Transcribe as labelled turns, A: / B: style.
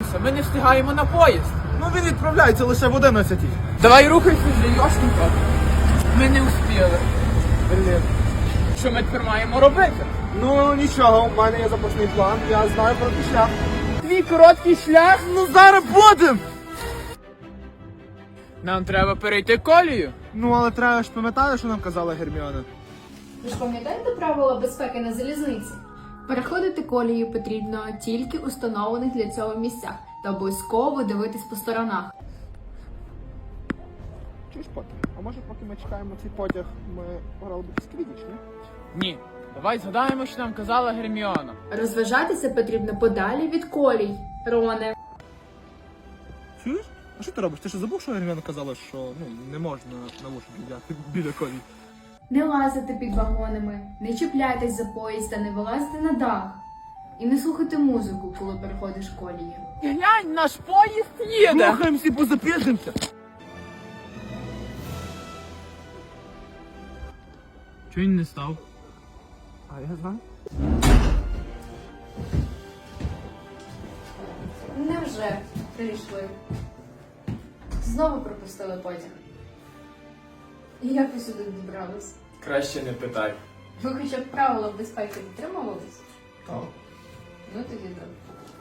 A: відправлятися, ми не встигаємо на поїзд.
B: Ну він відправляється лише в 11.
A: Давай рухайся вже, Йошенько. Ми не встигли.
B: Блін.
A: Що ми тепер маємо робити?
B: Ну нічого, у мене є запасний план, я знаю про той шлях.
A: Твій короткий шлях?
B: Ну зараз будем!
A: Нам треба перейти колію.
B: Ну але треба ж пам'ятати, що нам казала Герміона.
C: Ви ж пам'ятаєте правила безпеки на залізниці? Переходити колію потрібно тільки у встановлених для цього місцях та обов'язково дивитись по сторонах.
B: Чуєш, поки? А може поки ми чекаємо цей потяг, ми пограли б якийсь квідіч, ні?
A: Ні. Давай згадаємо, що нам казала Герміона.
C: Розважатися потрібно подалі від колій, Роне.
B: Чуєш? А що ти робиш? Ти що забув, що Герміона казала, що не можна навушники взяти біля колії?
C: Не лазити під вагонами, не чіпляйтесь за поїзд та не вилазити на дах. І не слухати музику, коли переходиш колію.
A: Глянь, наш поїзд їде!
B: Рухаємося, бо запізнimося!
A: Чого він не став?
B: А я знаю.
C: Невже прийшли? Знову пропустили потяг. І як ви сюди добрались?
A: Краще не питай.
C: Ви хоча б правила безпеки дотримувались?
B: Так.
C: Ну тоді добре.